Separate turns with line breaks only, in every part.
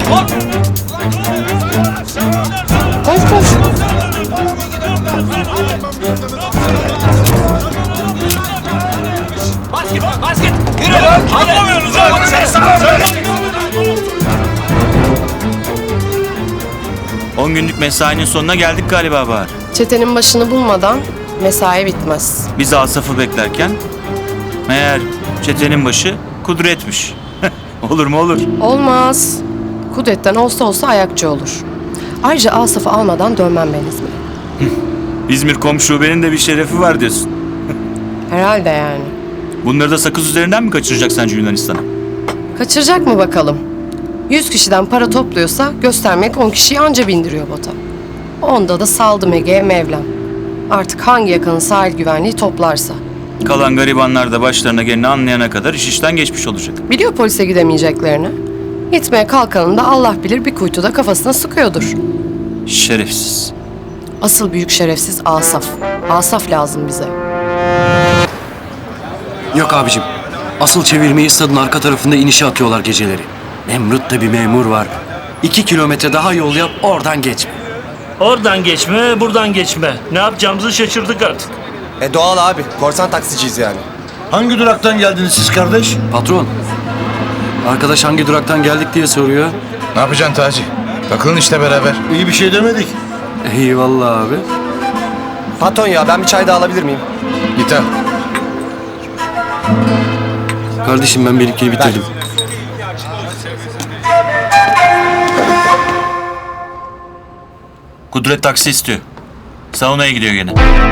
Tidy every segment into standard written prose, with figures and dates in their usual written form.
Koş koş.
Basket! Yürü! Anlamıyorsunuz abi!
10 günlük mesainin sonuna geldik galiba Bahar.
Çetenin başını bulmadan mesai bitmez.
Biz Asaf'ı beklerken meğer çetenin başı Kudret'miş. Olur mu olur.
Olmaz. Kudret'ten olsa ayakçı olur. Ayrıca Asaf'ı almadan dönmem ben İzmir'e.
İzmir komşu benim de bir şerefi var diyorsun.
Herhalde yani.
Bunları da sakız üzerinden mi kaçıracak sence Yunanistan'a?
Kaçıracak mı bakalım? 100 kişiden para topluyorsa göstermek 10 kişiyi anca bindiriyor bota. Onda da saldım Ege'ye Mevlam. Artık hangi yakanın sahil güvenliği toplarsa.
Kalan garibanlar da başlarına geleni anlayana kadar iş işten geçmiş olacak.
Biliyor polise gidemeyeceklerini. Gitmeye kalkanın da Allah bilir bir kuytuda kafasına sıkıyordur.
Şerefsiz.
Asıl büyük şerefsiz Asaf. Asaf lazım bize.
Yok abicim. Asıl çevirmeyi stadın arka tarafında inişe atıyorlar geceleri. Nemrut'ta bir memur var. 2 kilometre daha yol yap, oradan geçme.
Oradan geçme, buradan geçme. Ne yapacağımızı şaşırdık artık.
Doğal abi. Korsan taksiciyiz yani.
Hangi duraktan geldiniz siz kardeş?
Patron, arkadaş hangi duraktan geldik diye soruyor.
Ne yapacaksın Taci? Takılın işte beraber.
İyi bir şey demedik.
Eyvallah abi.
Patron ya ben bir çay daha alabilir miyim?
Git al.
Kardeşim ben benimkini bitirdim.
Kudret taksi istiyor. Saunaya gidiyor gene.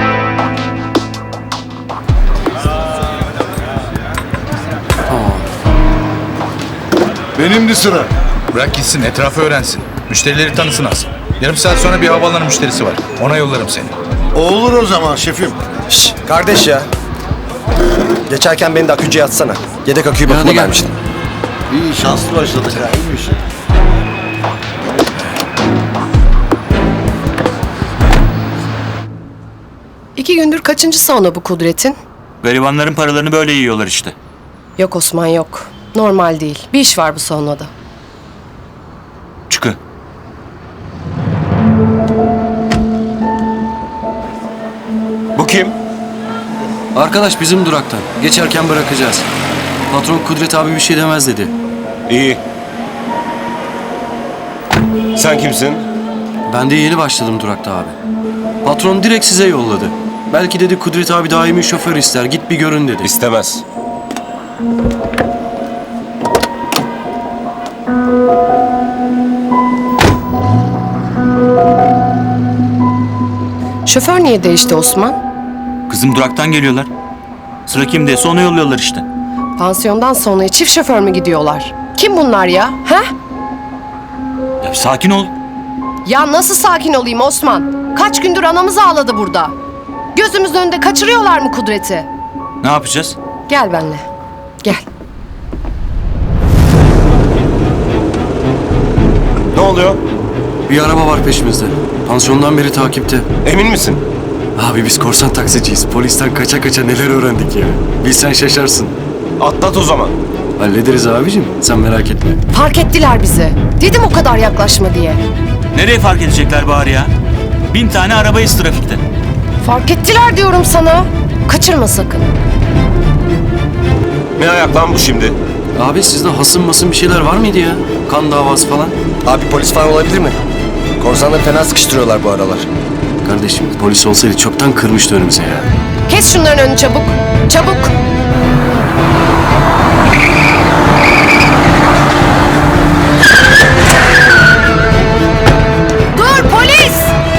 Benimdi sıra.
Bırak gitsin, etrafı öğrensin. Müşterileri tanısın az. Yarım saat sonra bir havaalanı müşterisi var. Ona yollarım seni.
Olur o zaman şefim.
Şşş kardeş ya. Geçerken beni de akücüye atsana. Yedek aküyü
Hadi
bakıma
gel.
vermiştim.
İyi şanslı başladık ha. İyiymiş.
İki gündür kaçıncı sauna bu Kudret'in?
Garibanların paralarını böyle yiyorlar işte.
Yok Osman yok. Normal değil. Bir iş var bu saunada.
Çıkı.
Bu kim?
Arkadaş bizim duraktan. Geçerken bırakacağız. Patron Kudret abi bir şey demez dedi.
İyi. Sen kimsin?
Ben de yeni başladım durakta abi. Patron direkt size yolladı. Belki dedi Kudret abi daimi şoför ister. Git bir görün dedi.
İstemez.
Şoför niye değişti Osman?
Kızım duraktan geliyorlar. Sıra kimdeyse onu yolluyorlar işte.
Pansiyondan sonra çift şoför mü gidiyorlar? Kim bunlar ya? He?
Ya sakin ol.
Ya nasıl sakin olayım Osman? Kaç gündür anamız ağladı burada. Gözümüzün önünde kaçırıyorlar mı Kudret'i?
Ne yapacağız?
Gel benimle. Gel.
Ne oluyor?
Bir araba var peşimizde. Pansiyondan beri takipte.
Emin misin?
Abi biz korsan taksiciyiz. Polisten kaça kaça neler öğrendik ya. Bilsen şaşarsın.
Atlat o zaman.
Hallederiz abicim. Sen merak etme.
Fark ettiler bizi. Dedim o kadar yaklaşma diye.
Nereye fark edecekler Bahar ya? 1000 tane arabayız trafikte.
Fark ettiler diyorum sana. Kaçırma sakın.
Ne ayak lan bu şimdi?
Abi sizde hasım masım bir şeyler var mıydı ya? Kan davası falan.
Abi polis falan olabilir mi? Korsanları fena sıkıştırıyorlar bu aralar.
Kardeşim polis olsaydı çoktan kırmıştı önümüze ya.
Kes şunların önünü çabuk. Çabuk. Dur polis!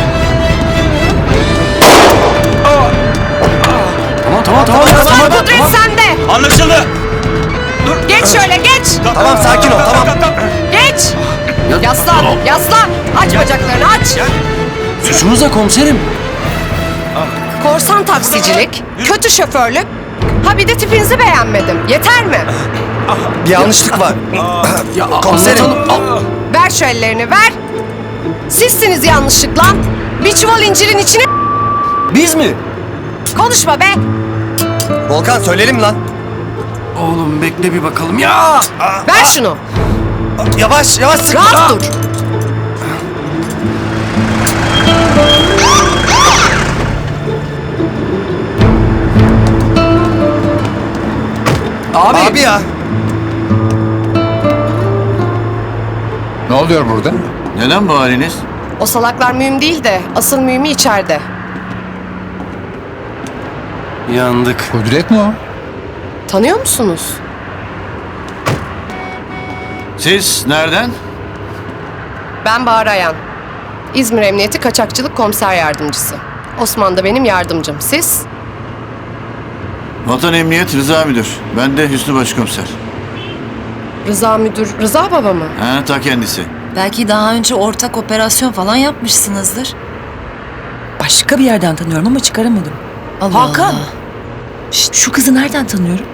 Tamam.
Kudret sende.
Anlaşıldı.
Geç şöyle geç.
Tamam sakin ol tamam.
Geç. Yaslan. Yaslan. Aç bacaklarını aç.
Suçumuz da komiserim.
Korsan taksicilik, kötü şoförlük. Ha bir de tipinizi beğenmedim. Yeter mi?
Bir yanlışlık var.
Ya
Komiserim.
anlatalım.
Ver şu ellerini ver. Sizsiniz yanlışlıkla. Bir çuval incirin içine
Biz mi?
konuşma be.
Volkan söyleyelim lan.
Oğlum bekle bir bakalım ya.
Ver şunu.
Yavaş yavaş sıkma.
Rahat dur.
Abi ya.
Ne oluyor burada?
Neden bu haliniz?
O salaklar mühim değil de asıl mühimi içeride.
Yandık.
Kudret mi o?
Tanıyor musunuz?
Siz nereden?
Ben Bahar Ayan. İzmir Emniyeti Kaçakçılık Komiser Yardımcısı. Osman da benim yardımcım. Siz?
Vatan Emniyet Rıza Müdür. Ben de Hüsnü Başkomiser.
Rıza Müdür, Rıza Baba mı?
Ha, ta kendisi.
Belki daha önce ortak operasyon falan yapmışsınızdır.
Başka bir yerden tanıyorum ama çıkaramadım.
Allah
Hakan.
Allah.
Şşt, şu kızı nereden tanıyorum?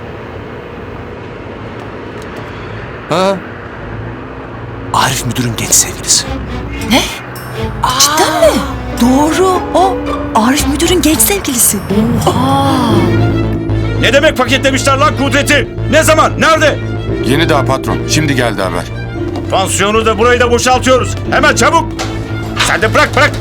Ha? Arif müdürün genç sevgilisi.
Cidden mi? Doğru. O Arif müdürün genç sevgilisi.
Ne demek paketlemişler lan Kudret'i? Ne zaman? Nerede?
Yeni daha patron. Şimdi geldi haber.
Pansiyonu da burayı da boşaltıyoruz. Hemen çabuk. Sen de bırak.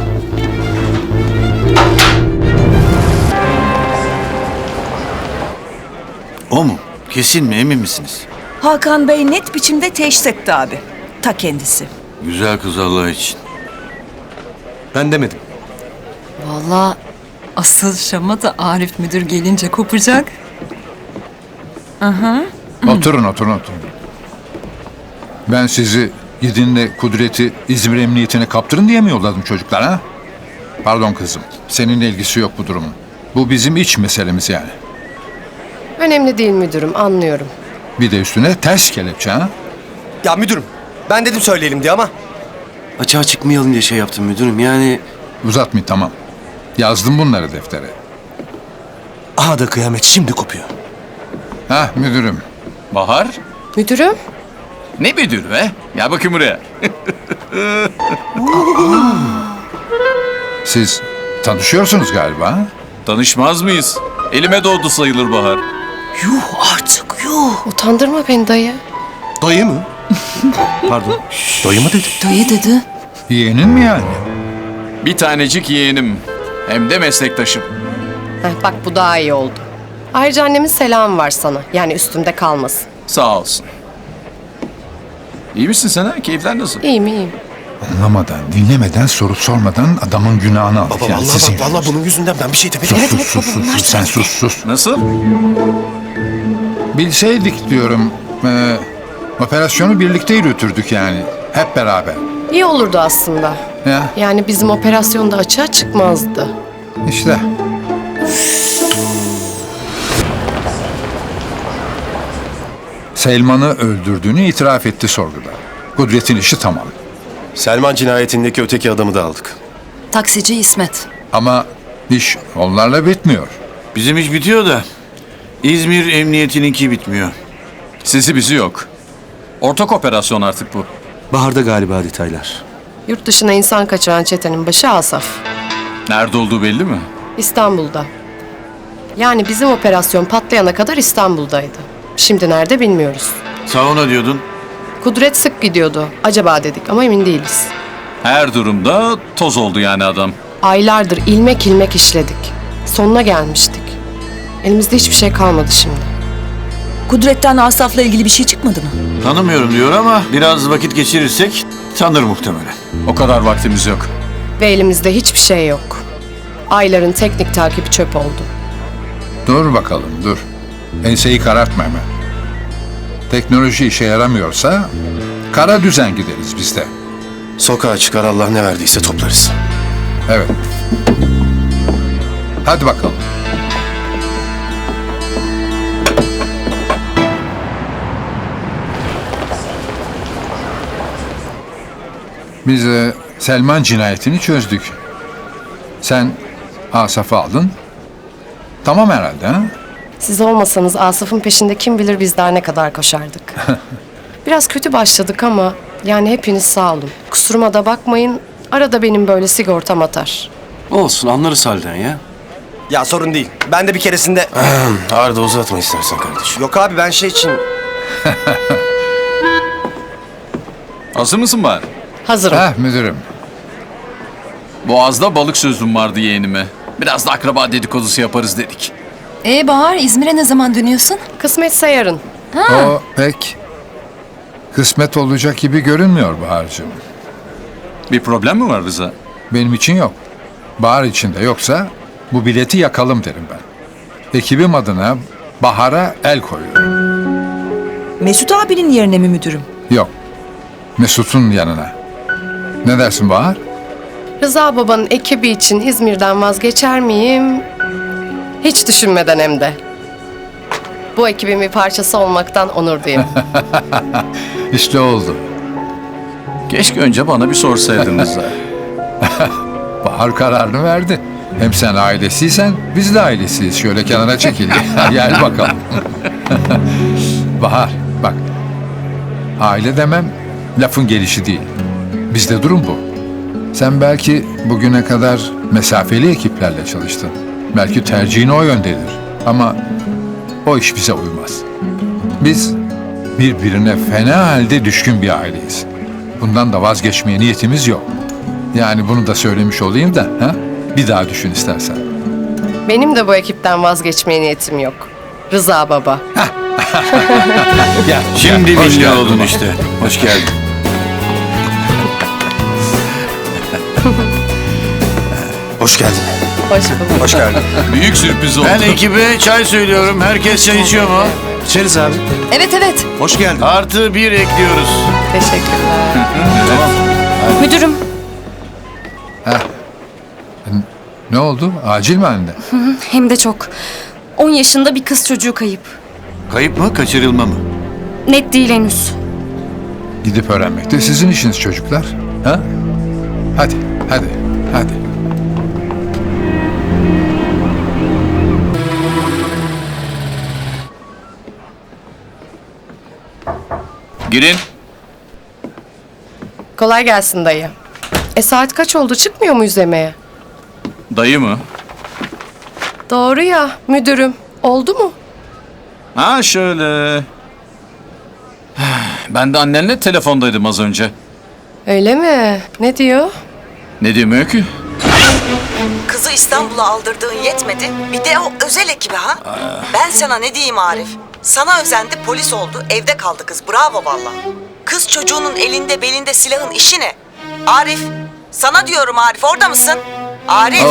O mu? Kesin mi? Emin misiniz?
Hakan Bey net biçimde teşhis etti abi. Ta kendisi.
Güzel kız Allah için.
Ben demedim.
Vallahi asıl şama da Arif müdür gelince kopacak.
Oturun. Ben sizi gidin de Kudret'i İzmir Emniyetine kaptırın diye mi yolladım çocuklar ha? Pardon kızım. Seninle ilgisi yok bu durumun. Bu bizim iç meselemiz yani.
Önemli değil müdürüm, anlıyorum.
Bir de üstüne ters kelepçe ha?
Ya müdürüm. Ben dedim söyleyelim diye ama.
Açığa çıkmayalım diye şey yaptım müdürüm. Yani
Uzatmayın tamam. Yazdım bunları deftere.
Aha da kıyamet şimdi kopuyor.
Hah müdürüm.
Bahar?
Müdürüm?
Ne müdür be? Gel bakayım buraya.
Siz tanışıyorsunuz galiba ha?
Tanışmaz mıyız? Elime doğdu sayılır Bahar.
Yuh artık yuh.
Utandırma beni dayı.
Dayı mı? Pardon. Dayı mı dedi?
Dayı dedi.
Yeğenin mi yani?
Bir tanecik yeğenim. Hem de meslektaşım.
Bak bu daha iyi oldu. Ayrıca annemin selamı var sana. Yani üstümde kalmasın.
Sağ olsun. İyi misin sen ha? Keyifler nasıl?
İyiyim.
Anlamadan, dinlemeden, soru sormadan adamın günahını aldık.
Baba
yani sizin
vallahi
yüzünüzden.
bunun yüzünden ben bir şey demedim.
Sus. Sen sus.
Nasıl?
Bilseydik diyorum, operasyonu birlikte yürütürdük yani. Hep beraber.
İyi olurdu aslında.
Ya
Yani bizim operasyonda açığa çıkmazdı.
işte. Selman'ı öldürdüğünü itiraf etti sorguda. Kudret'in işi tamam.
Selman cinayetindeki öteki adamı da aldık.
Taksici İsmet.
Ama iş onlarla bitmiyor.
Bizim iş bitiyor da İzmir Emniyetininki bitmiyor.
Sizi bizi yok. Ortak operasyon artık bu.
Bahar'da galiba detaylar.
Yurt dışına insan kaçıran çetenin başı Asaf.
Nerede olduğu belli mi?
İstanbul'da. Yani bizim operasyon patlayana kadar İstanbul'daydı. Şimdi nerede bilmiyoruz.
Sauna diyordun.
Kudret sık gidiyordu. Acaba dedik ama emin değiliz.
Her durumda toz oldu yani adam.
Aylardır ilmek ilmek işledik. Sonuna gelmiştik. Elimizde hiçbir şey kalmadı şimdi.
Kudret'ten Asaf'la ilgili bir şey çıkmadı mı?
Tanımıyorum diyor ama biraz vakit geçirirsek tanır muhtemelen.
O kadar vaktimiz yok.
Ve elimizde hiçbir şey yok. Ayların teknik takibi çöp oldu.
Dur bakalım dur. Enseyi karartma hemen. Teknoloji işe yaramıyorsa kara düzen gideriz biz de.
Sokağa çıkar Allah ne verdiyse toplarız.
Evet. Hadi bakalım. Biz Selman cinayetini çözdük. Sen Asaf'ı aldın. Tamam herhalde ha?
Siz olmasanız Asaf'ın peşinde kim bilir biz daha ne kadar koşardık. Biraz kötü başladık ama yani hepiniz sağ olun. Kusuruma da bakmayın. Arada benim böyle sigortam atar.
Olsun anlarız halden ya.
Ya sorun değil. Ben de bir keresinde... Arda uzatma istersen kardeşim. Yok abi ben şey için...
Hazır mısın bari?
Hazırım.
Müdürüm.
Boğaz'da balık sözüm vardı yeğenime. Biraz da akraba dedikodusu yaparız dedik.
Bahar, İzmir'e ne zaman dönüyorsun?
Kısmetse yarın.
O pek kısmet olacak gibi görünmüyor Bahar'cığım.
Bir problem mi var Rıza?
Benim için yok. Bahar için de yoksa bu bileti yakalım derim ben. Ekibim adına Bahar'a el koyuyorum.
Mesut abinin yerine mi müdürüm?
Yok. Mesut'un yanına. Ne dersin Bahar?
Rıza babanın ekibi için İzmir'den vazgeçer miyim? Hiç düşünmeden hem de. Bu ekibin bir parçası olmaktan onur duyayım.
İşte oldu.
Keşke önce bana bir sorsaydın Rıza.
Bahar kararını verdi. Hem sen ailesiysen biz de ailesiyiz. Şöyle kenara çekil. Gel bakalım. Bahar bak. Aile demem lafın gelişi değil. Bizde durum bu. Sen belki bugüne kadar mesafeli ekiplerle çalıştın. Belki tercihin o yöndedir. Ama o iş bize uymaz. Biz birbirine fena halde düşkün bir aileyiz. Bundan da vazgeçmeye niyetimiz yok. Yani bunu da söylemiş olayım da ha? Bir daha düşün istersen.
Benim de bu ekipten vazgeçmeye niyetim yok. Rıza baba.
Gel.
Şimdi
Hoş
milli
geldin
oldun
baba.
işte. Hoş geldin.
Hoş geldin.
Hoş bulduk.
Hoş geldin.
Büyük sürpriz oldu.
Ben ekibe çay söylüyorum. Herkes çay içiyor mu?
İçeriz abi.
Evet.
Hoş geldin.
Artı bir ekliyoruz.
Teşekkürler.
Müdürüm.
Ne oldu? Acil mi anne?
Hem de çok. 10 yaşında bir kız çocuğu kayıp.
Kayıp mı, kaçırılma mı?
Net değil henüz.
Gidip öğrenmek de sizin işiniz çocuklar. Ha? Hadi.
Girin.
Kolay gelsin dayı. Saat kaç oldu? Çıkmıyor muyuz yemeğe?
Dayı mı?
Doğru ya müdürüm. Oldu mu?
Ha şöyle. Ben de annenle telefondaydım az önce.
Öyle mi? Ne diyor?
Ne demiyor ki?
Kızı İstanbul'a aldırdığın yetmedi. Bir de o özel ekibi ha. Ben sana ne diyeyim Arif? Sana özendi, polis oldu, evde kaldı kız. Bravo valla. Kız çocuğunun elinde belinde silahın işi ne? Arif, sana diyorum Arif, orada mısın? Arif.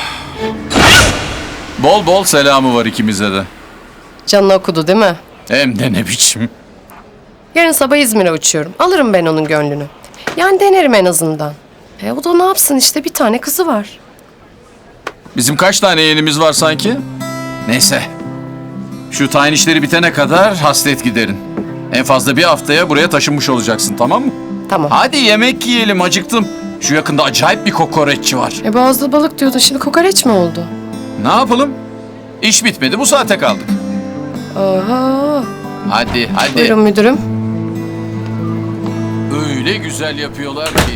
Bol bol selamı var ikimize de.
Canını okudu değil mi?
Hem de ne biçim.
Yarın sabah İzmir'e uçuyorum. Alırım ben onun gönlünü. Yani denerim en azından. O da ne yapsın işte, bir tane kızı var.
Bizim kaç tane yeğenimiz var sanki? Neyse. Şu tayin işleri bitene kadar hasret giderin. En fazla bir haftaya buraya taşınmış olacaksın, tamam mı?
Tamam.
Hadi yemek yiyelim, acıktım. Şu yakında acayip bir kokoreççi var.
Boğazda balık diyordun, şimdi kokoreç mi oldu?
Ne yapalım? İş bitmedi, bu saate kaldık.
Oho.
Hadi.
Buyurun müdürüm.
Öyle güzel yapıyorlar ki.